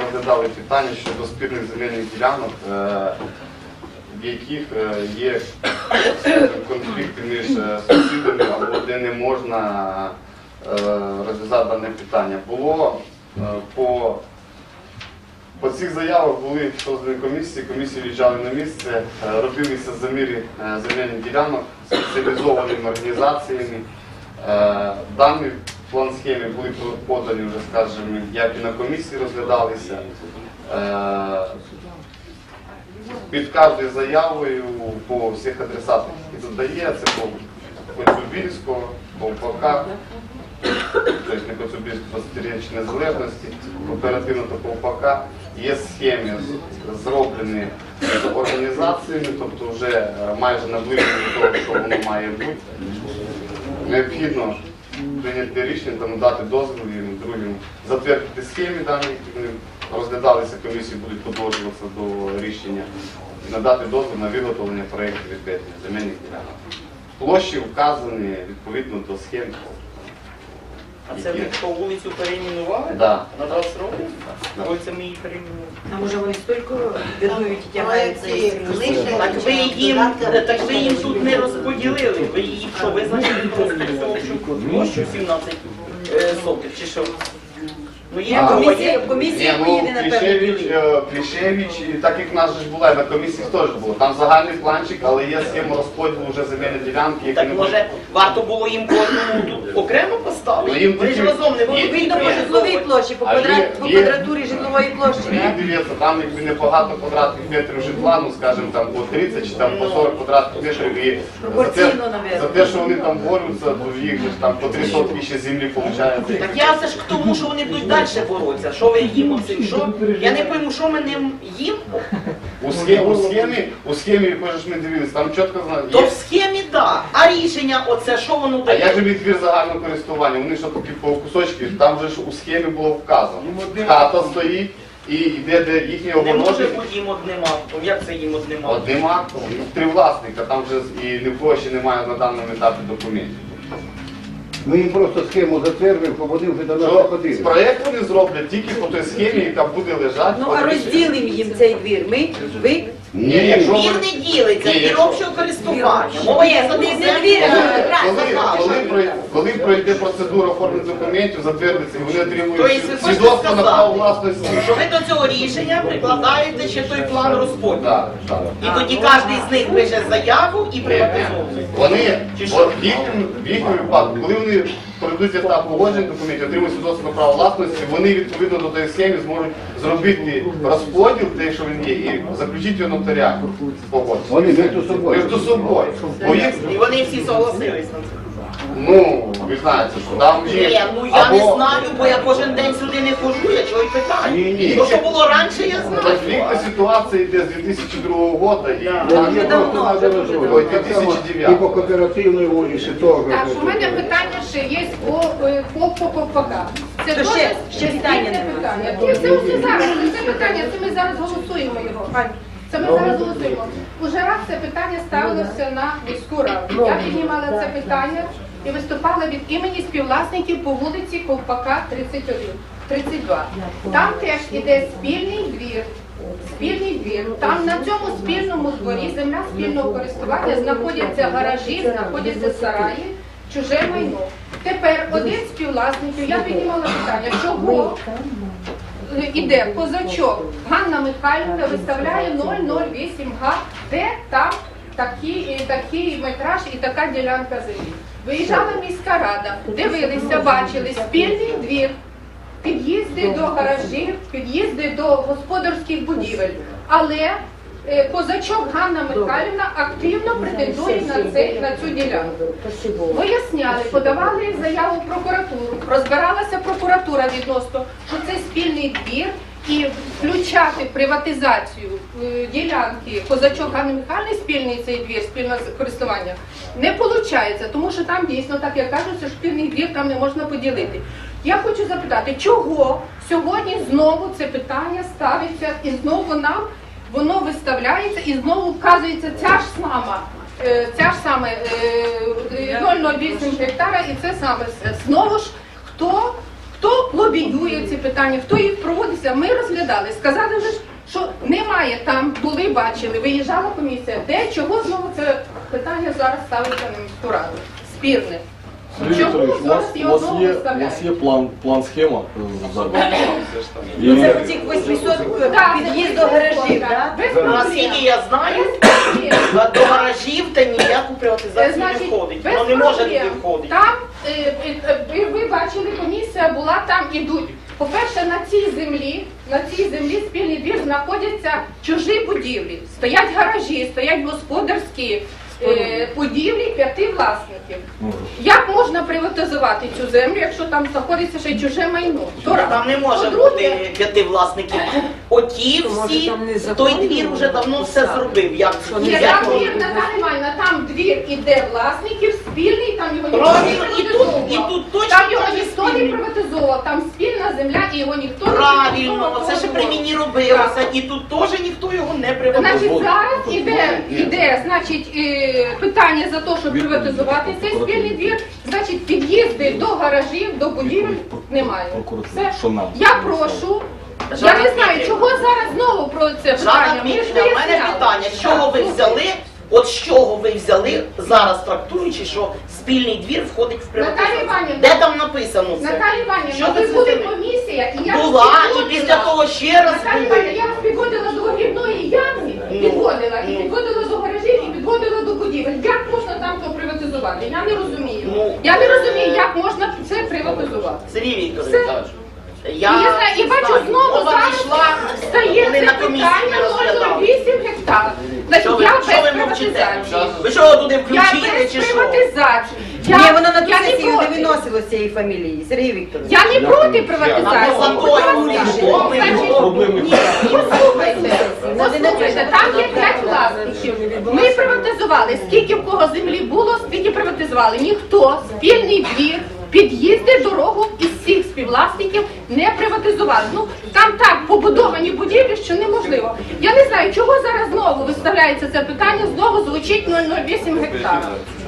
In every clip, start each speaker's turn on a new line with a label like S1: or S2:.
S1: розглядали питання щодо спірних земельних ділянок, в яких є конфлікти між сусідами, або де не можна розв'язати дане питання. По цих заявах були создані комісії виїжджали на місце, робилися заміри земельних ділянок спеціалізованими організаціями. Дані план схеми були подані вже, скажімо, як і на комісії розглядалися. Під кожною заявою по всіх адресатах, які тут дає, це по Коцюбільського, по УПК, тобто не Коцюбільського, 20-річної незалежності, оперативно та по УПК. Є схеми, зроблені з організаціями, тобто вже майже наближені до того, що воно має бути. Необхідно прийняти рішення та надати дозвіл і другим затвердити схеми дані, які вони розглядалися, комісії будуть подовжуватися до рішення, і надати дозвіл на виготовлення проєктів відведення земельних ділянок. Площі вказані відповідно до схем.
S2: А це ви по вулицю перейменували?
S1: Да.
S2: На 20 років? Вулиця ми її перейменували.
S3: А може вони стільки бідують і тягають цей
S2: Так ви їм тут не розподілили. Ви її що, визначили просто цю площу 17 сотих чи що? Ну є
S3: комісія поїде на переділі.
S1: Клішевич, так як в нас же була, на комісії теж було. Там загальний планчик, але є схема розподілу вже земельної ділянки.
S2: Так може варто було їм кожному тут окремо поставити? Вони ж разом не будуть
S3: Видно по житловій площі, по квадратурі житлової площі.
S1: Дивіться, там якби небагато квадратних метрів житла, ну скажімо там по 30 чи там по 40 квадратних метрів. І за те, що вони там борються, то їх там по 3 сотки ще землі виходить.
S2: Так я все ж к тому, що вони будуть далі боротися. Що ви їм оцим? Що? Я не пойму, що ми ним їм?
S1: У схемі, якої ж ми дивилися, там чітко знають.
S2: То в схемі так. А рішення оце, що воно
S1: А
S2: дає?
S1: як же відвір загального користування? Вони що такі по кусочки, там вже ж у схемі було вказано. Хата стоїть і йде де їхнє
S2: Не може
S1: оголошення.
S2: бути їм одним актом. Як це їм одним актом?
S1: Одним актом, 3 власника, там вже і ні в кого ще немає на даному етапі документів.
S4: Ми їм просто схему затвердимо, бо вони вже до нас
S1: Що
S4: ходили.
S1: проєкт вони зроблять тільки по той схемі, яка буде лежати.
S3: Ну а розділимо їм цей двір. Ви?
S1: Ні, якщо
S2: Двір
S1: ви-
S2: не ділиться,
S1: Ні,
S2: двір
S1: якщо-
S2: общого користування. Мова є за
S3: Ні,
S2: двір.
S3: не двір,
S1: Коли пройде процедура оформлення документів, затвердиться, і вони отримують
S2: Тобто ви хочете
S1: свідоцтво на право
S2: сказати,
S1: власності.
S2: що ви до цього рішення прикладаєте ще той план розподілу.
S1: Так, так.
S2: І тоді кожен з них пише заяву і приватизовує.
S1: Вони,
S2: Чи що?
S1: от в їхньому випадку, коли вони пройдуть етап погодження документів, отримують свідоцтво на право власності, вони відповідно до тієї схеми зможуть зробити розподіл, те, що він є, і заключити його нотаріально.
S4: Вони між собою.
S1: Між собою. Бо їх,
S2: І вони всі согласились на це.
S1: ну, ви знаєте, що там
S2: Ні,
S1: є...
S2: ну я не знаю, бо я кожен день сюди не хожу, я чого й питаю.
S1: Ні.
S2: То, що було раніше, я знаю.
S1: Конфліктна ситуація йде з 2002 року і
S4: Вже давно, вже дуже давно.
S1: Ой, 2009.
S4: І по кооперативній вулиці теж.
S5: Так, у мене питання ще є по ППК. Це
S3: То
S5: дуже
S3: ще питання
S5: спільне
S3: не
S5: питання. І це все зараз, це питання, це ми зараз голосуємо його. Ань, це ми зараз голосуємо. Уже раз це питання ставилося на міську раду. Я піднімала це питання і виступала від імені співвласників по вулиці Ковпака 32. Там теж іде спільний двір. Спільний двір. Там на цьому спільному дворі земля спільного користування, знаходяться гаражі, знаходяться сараї, чуже майно. Тепер один з співвласників, я піднімала питання, чого іде козачок Ганна Михайлівна виставляє 008 га, де там такий метраж і така ділянка землі. Виїжджала міська рада, дивилися, бачили спільний двір, під'їзди до гаражів, під'їзди до господарських будівель. Але козачок Ганна Михайлівна активно претендує на цю ділянку. Виясняли, подавали заяву в прокуратуру, розбиралася прокуратура відносно, що це спільний двір і включати в приватизацію ділянки козачок Ганни Михайлівни, спільний цей двір, спільне користування, не виходить, тому що там дійсно, так як кажуть, що спільний двір там не можна поділити. Я хочу запитати, чого сьогодні знову це питання ставиться і знову нам воно виставляється і знову вказується ця ж саме 0,08 гектара і це саме. Знову ж, хто хто лобіює ці питання, хто їх проводиться, ми розглядали. Сказали вже, що немає там, були, бачили, виїжджала комісія. Де, чого знову це питання зараз ставиться на міську раду? Спірне.
S6: Сергій
S5: Чому
S6: Вікторович,
S5: зараз його
S6: у
S5: знову
S6: вас
S5: виставляють?
S6: є план-схема зараз?
S3: Ну це в цих 800 під'їзд до гаражів, так?
S5: Без
S2: Наскільки я знаю, до гаражів та ніяку приватизацію не входить.
S5: без
S2: Воно не може
S5: проблем.
S2: туди входити.
S5: Там, ви бачили, комісія була, там ідуть. По-перше, на цій землі спільний двір знаходяться чужі будівлі. Стоять гаражі, стоять господарські будівлі 5 власників. Як можна приватизувати цю землю, якщо там знаходиться ще й чуже майно?
S2: Там не може бути 5 власників. Оті всі, той двір вже давно все зробив. Як це?
S5: Ні, там двір, Наталя Іванівна, там двір іде власників, спільний, там його ніхто
S2: Правильно,
S5: не
S2: і
S5: приватизовував.
S2: тут точно
S5: Там його
S2: так же
S5: ніхто не
S2: спільний.
S5: приватизовував, там спільна земля і його ніхто не
S2: Правильно,
S5: приватизовував.
S2: це ще при мені робилося. І тут теж ніхто його не приватизував.
S5: Значить, зараз іде значить, питання за те, щоб приватизувати цей спільний двір, значить, під'їзди до гаражів, до будівель немає. Все. Я прошу, я не знаю, чого зараз знову про це питання.
S2: Жанна
S5: Ми ж
S2: Дмитрівна, в мене
S5: виясняли.
S2: питання, з чого ви взяли, от з чого ви взяли, зараз трактуючи, що спільний двір входить в
S5: Наталія
S2: приватизацію?
S5: Іванівна,
S2: Де там написано це?
S5: Наталія Іванівна,
S2: Що
S5: ви
S2: ви
S5: були
S2: взяли?
S5: комісія, і я
S2: Була,
S5: вас
S2: і після того ще раз
S5: Наталія Іванівна,
S2: були.
S5: я вас підводила до огірної ямки, підводила, і підводила до гаражів, і підводила до будівель. Як можна там то приватизувати? Я не розумію. Я не розумію, як можна це приватизувати.
S2: Сергій Вікторович, я
S5: І бачу,
S2: знаю,
S5: знову
S2: мова
S5: зараз
S2: не йшла,
S5: стає
S2: вони
S5: це
S2: на комісії
S5: питання
S2: не розглядали.
S5: 0,8 гектар.
S2: Що
S5: Значить,
S2: ви,
S5: я
S2: що ви
S5: без
S2: мовчите?
S5: приватизації.
S2: Ви що туди
S5: Я
S2: включили
S5: без
S2: чи що?
S5: приватизації.
S3: Ні, воно на ту
S5: Я не
S3: сесію не
S5: проти.
S3: виносило з цієї фамілії, Сергій Вікторович.
S5: Я не проти
S2: А
S5: приватизації.
S2: то за то вони йшло, ми
S5: Послухайте, там є 5 власників. Ми приватизували. Скільки в кого землі було, скільки приватизували. Ніхто спільний двір, під'їзди, дорогу із всіх співвласників не приватизували. Ну, там так побудовані будівлі, що неможливо. Я не знаю, чого зараз знову виставляється це питання, знову звучить 0,08 гектара.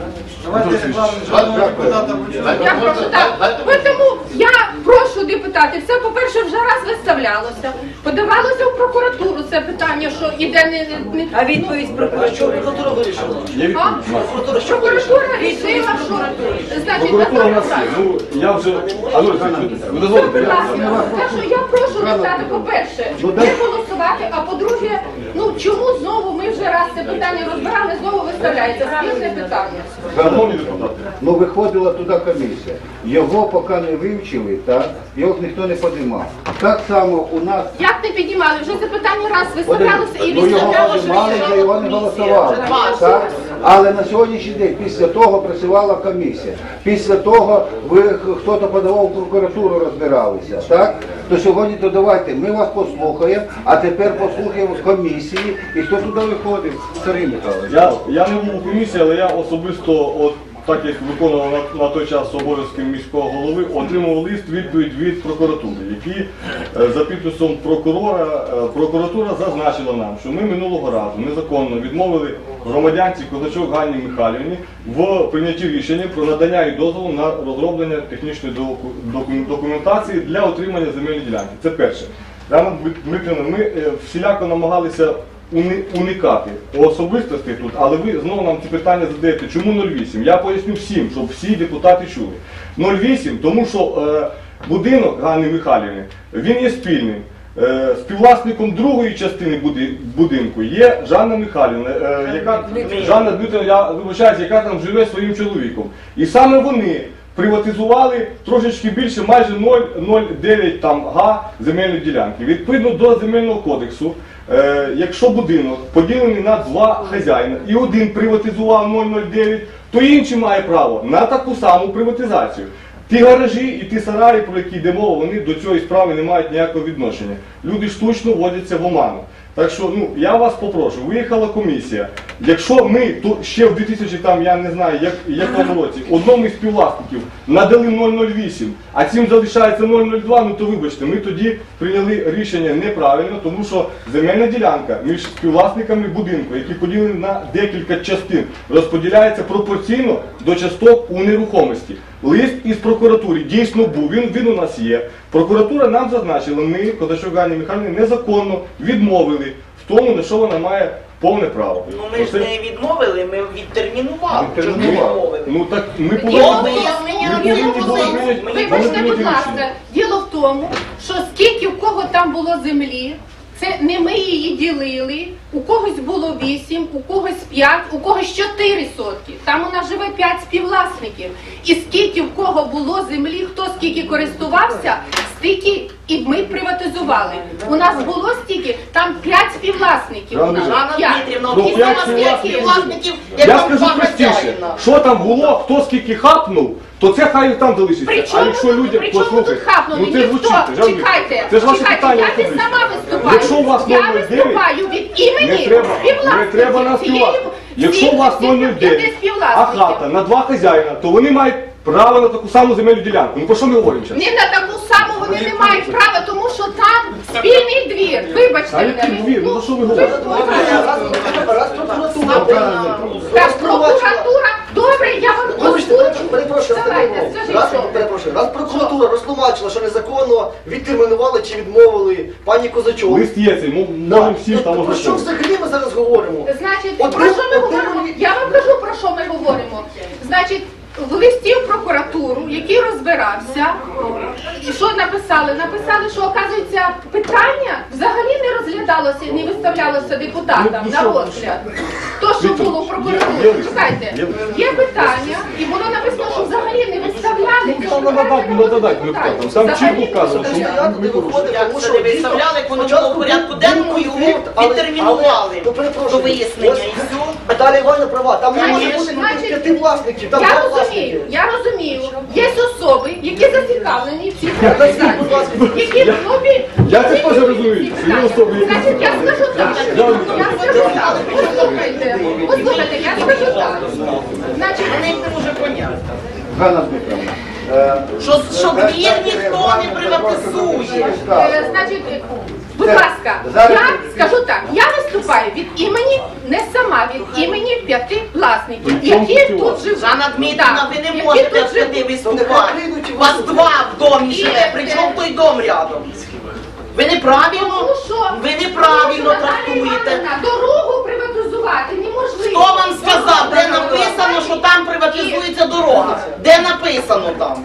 S5: Я прошу, так. Тому я прошу депутатів, це, по-перше, вже раз виставлялося. Подавалося в прокуратуру це питання, що іде не...
S3: А відповідь прокуратури?
S2: Прокуратура вирішила.
S6: Є відповідь?
S5: Прокуратура рішила, що... Значить,
S6: Прокуратура у нас є. Ну, я вже... А ну, ви дозволите?
S5: Будь ласка, так що я прошу депутати, по-перше, не голосувати, а по-друге, ну чому знову ми вже раз це питання розбирали, знову виставляється спільне питання.
S6: Шановні депутати,
S4: Ну виходила туди комісія. Його поки не вивчили, так? Його ніхто не підіймав. Так само у нас
S5: Як не піднімали? Вже це питання раз виставлялося і
S4: ну, його
S5: виставлялося.
S4: підіймали, за його не голосували.
S2: Вже
S4: Так? Але на сьогоднішній день після того працювала комісія. Після того хтось подавав в прокуратуру, розбиралися. Так? То сьогодні то давайте, ми вас послухаємо, а тепер послухаємо з комісії. І хто туди виходив? Сергій Михайлович.
S6: я не був у комісії, але я особисто, от так як виконував на той час обов'язки міського голови, отримав відповідь від прокуратури, які за підписом прокуратура зазначила нам, що ми минулого разу незаконно відмовили громадянці Козачок Ганні Михайлівні в прийнятті рішення про надання їй дозволу на розроблення технічної документації для отримання земельної ділянки. Це перше. Рано Дмитрівна, ми всіляко намагалися уникати особистостей тут, але ви знову нам ці питання задаєте, чому 0,8? Я поясню всім, щоб всі депутати чули. 0,8, тому що будинок Ганни Михайлівни, він є спільним. Співвласником другої частини будинку є Жанна Михайлівна, Жанна Дмитрівна, я вибачаюся, яка там живе своїм чоловіком. І саме вони приватизували трошечки більше, майже 0,09 га земельної ділянки. Відповідно до Земельного кодексу, якщо будинок поділений на 2 хазяїна і один приватизував 0,09, то інший має право на таку саму приватизацію. Ті гаражі і ті сараї, про які йде мова, вони до цієї справи не мають ніякого відношення. Люди штучно вводяться в оману. Так що, ну, я вас попрошу, виїхала комісія. Якщо ми тут ще в 2000, там, я не знаю, якому році, одному із співвласників надали 0,08, а цим залишається 0,02, ну то вибачте, ми тоді прийняли рішення неправильно, тому що земельна ділянка між співвласниками будинку, які поділені на декілька частин, розподіляється пропорційно до часток у нерухомості. Лист із прокуратури дійсно був, він у нас є. Прокуратура нам зазначила, ми, Кодащук Ганні Михайлівні, незаконно відмовили в тому, на що вона має повне право.
S2: Ну ми ж не відмовили, ми відтермінували. Чому не відмовили?
S6: Ну так ми
S5: Вибачте, будь ласка, діло в тому, що скільки в кого там було землі, це не ми її ділили, у когось було 8, у когось 5, у когось 4 сотки. Там у нас живе 5 співвласників. І скільки в кого було землі, хто скільки користувався, стільки і ми приватизували. У нас було стільки, там 5 співвласників. У нас.
S2: Жанна
S5: П'ять.
S2: Дмитрівна,
S6: Ну,
S2: всі
S6: п'ять
S2: співвласників, як
S6: я
S2: там
S6: скажу
S2: два
S6: простіше,
S2: хазяїна.
S6: що там було, хто скільки хапнув, то це хай там залишиться.
S5: При
S6: А
S5: чому
S6: якщо
S5: тут-
S6: людям,
S5: при чому тут
S6: послухайте,
S5: хапнули?
S6: ну це
S5: Ніхто,
S6: звучить, жаль,
S5: чекайте,
S6: це ж ваше
S5: чекайте,
S6: питання
S5: я не
S6: особисте.
S5: сама виступаю.
S6: Якщо у вас
S5: Я
S6: 0,09,
S5: виступаю від імені
S6: не треба на співвласників. Якщо у вас 0,09, а хата на 2 хазяїна, то вони мають право на таку саму земельну ділянку. Ну про що ми говоримо зараз?
S5: Не на таку саму вони не мають права, тому що там спільний двір. Вибачте
S6: А який
S5: мене.
S6: двір? Ну за що ви говорите?
S5: Так, прокуратура. Добре, я вам озвучу. Давайте, скажіть, що.
S7: Раз прокуратура розтлумачила, що незаконно відтермінували чи відмовили пані Козачок.
S6: Лист є цей, можемо всім там
S7: Про що
S6: ознайомитися.
S7: взагалі ми зараз говоримо?
S5: Значить,
S7: От
S5: про
S7: ви-
S5: що ми
S7: от ви
S5: говоримо?
S7: мені-
S5: Я вам кажу, про що ми говоримо. Значить, в листі в прокуратуру, який розбирався, і що написали? Написали, що, оказується, питання взагалі не розглядалося, не виставлялося депутатам на розгляд. То, що було в прокуратурі, чекайте, є питання, і було написано, що взагалі не виставляли.
S6: Нададать депутатам. Там чітко вказано, що
S7: Стояти, де виходить,
S2: Як
S7: тому
S2: це
S7: що
S2: не виставляли, як воно було в порядку денному, його відтермінували до вияснення і все.
S7: Наталя Івановна права, там не може
S5: Конечно,
S7: бути
S5: значить,
S7: 5 власників, там 2
S5: Я
S7: власники.
S5: розумію. Є особи, які зацікавлені в цій приватизації, які
S6: Я це теж розумію, що є особи, які
S5: Значить, я скажу так. Я скажу так. Послухайте, я скажу так. Значить,
S2: Вони це вже поняли.
S4: Ганна Дмитрівна,
S2: Що двір ніхто не приватизує.
S5: значить, будь ласка, я скажу так, я виступаю від імені, не сама, від імені 5 власників, які тут живуть.
S2: Жанна Дмитрівна, ви не
S5: Які
S2: можете
S5: тут
S2: в п'яти
S5: живуть.
S2: виступати. У вас 2 в домі живе, причому той дом рядом. Ви неправильно,
S5: Тому що-
S2: ви неправильно
S5: тому що, Наталія
S2: трактуєте.
S5: Іванівна, дорогу приватизувати неможливо.
S2: Хто вам сказав, де написано, що там приватизується дорога? Де написано там?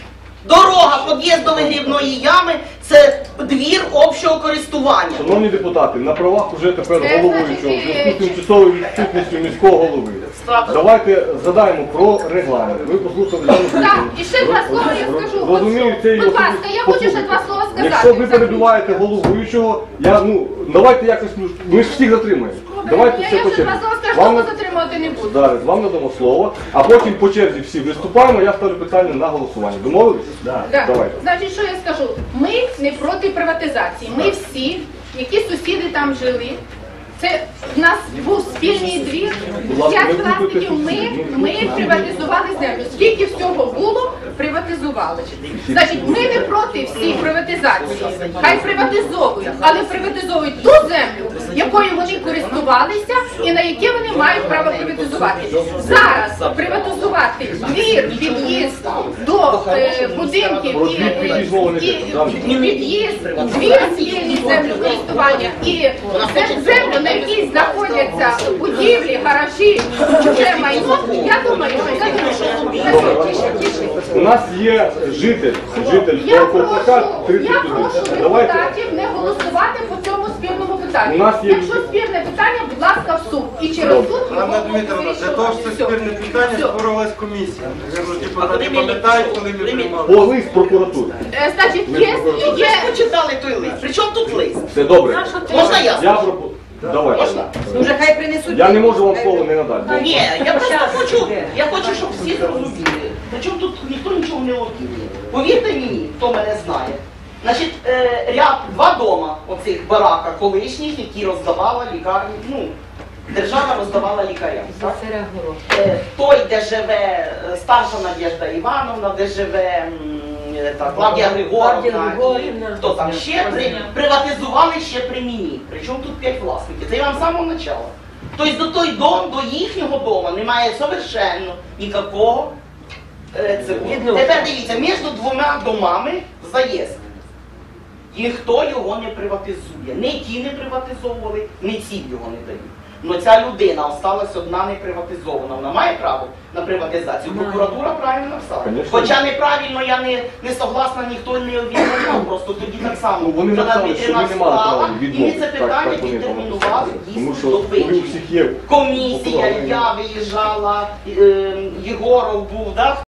S2: Дорога під'їзд до вигрібної ями – це двір общого користування.
S6: Шановні депутати, на правах уже тепер
S5: Значить,
S6: головуючого, в зв'язку з тимчасовою відсутністю міського голови. Давайте задаємо про регламент. Ви послухали Жанну
S5: Так,
S6: Дмитрівну.
S5: і ще 2 слова я скажу.
S6: Розумію, це
S5: Будь ласка, я хочу ще 2 слова сказати.
S6: Якщо ви перебуваєте головуючого, давайте якось, ми ж всіх затримаємо. Давайте
S5: Я
S6: все по
S5: ще
S6: черзі.
S5: 2 слова скажу,
S6: Вам
S5: тому затримувати не буду.
S6: зараз вам надамо слово, а потім по черзі всі виступаємо, я ставлю питання на голосування. Домовились?
S5: Да.
S6: Давайте.
S5: Значить, що я скажу? Ми не проти приватизації. Ми всі, які сусіди там жили, це в нас був спільний двір,
S6: Будь ласка,
S5: 5
S6: не
S5: власників,
S6: виходьте.
S5: ми приватизували землю. Скільки всього було, приватизували. Значить, ми не проти всіх приватизації. Хай приватизовують, але приватизовують ту землю, якою вони користувалися і на яке вони мають право приватизувати. Зараз приватизувати двір, під'їзд до будинків
S6: Про двір, під'їзд мова не йде, так?
S5: під'їзд, двір спільні землекористування і землю, на якій знаходяться будівлі, гаражі, чуже майно, я думаю, що
S6: У нас є житель
S5: я
S6: Ковпака
S5: прошу
S6: 31. Давайте.
S5: депутатів не голосувати по цьому спірному питанню.
S6: У нас є-
S5: Якщо спірне питання, будь ласка, в суд. І через суд його
S8: Анна Дмитрівна, для того, що це
S5: Все.
S8: спірне питання,
S5: Все.
S8: створилась комісія. Наверно, депутати
S2: коли ми-
S8: пам'ятають, коли ми
S2: коли ми-
S8: приймали.
S6: По лист прокуратури.
S5: Значить,
S2: Ви
S5: є
S2: ж почитали той лист. При чому тут лист?
S6: Все добре.
S2: Можна я?
S6: Я Давайте.
S2: Можна?
S3: Дуже хай принесуть.
S6: Я не можу вам слово не надати.
S2: Ні, я просто хочу, щоб всі зрозуміли. Причому тут ніхто нічого не лобіє. Повірте мені, хто мене знає. Значить, ряд, 2 дома, оці цих бараках колишніх, які роздавала лікарні, ну, держава роздавала лікарям. Так? Той, де живе старша Надежда Івановна, де живе Клавдія Григорівна, і хто там ще, приватизували ще при мені. Причому тут 5 власників. Це я вам з самого початку. Тобто до той дом, до їхнього дому немає совершенно ніякого цього. Тепер дивіться, між двома домами заїзд. Ніхто його не приватизує. Не ті не приватизовували, не ці його не дають. Но ця людина осталась одна не приватизована. Вона має право на приватизацію. Прокуратура правильно написала.
S6: Конечно.
S2: Хоча неправильно, я не согласна, ніхто не відмовляв. Просто тоді так само.
S6: Ну, вони
S2: Вона
S6: написали, що
S2: вітряна
S6: ви не мали права
S2: справа, і ми
S6: відмовити.
S2: це питання
S6: Так вони
S2: відтермінували
S6: Тому
S2: дійсно
S6: що
S2: до
S6: коли у
S2: вичерпання.
S6: всіх є
S2: Комісія, я виїжджала, Єгоров був, да?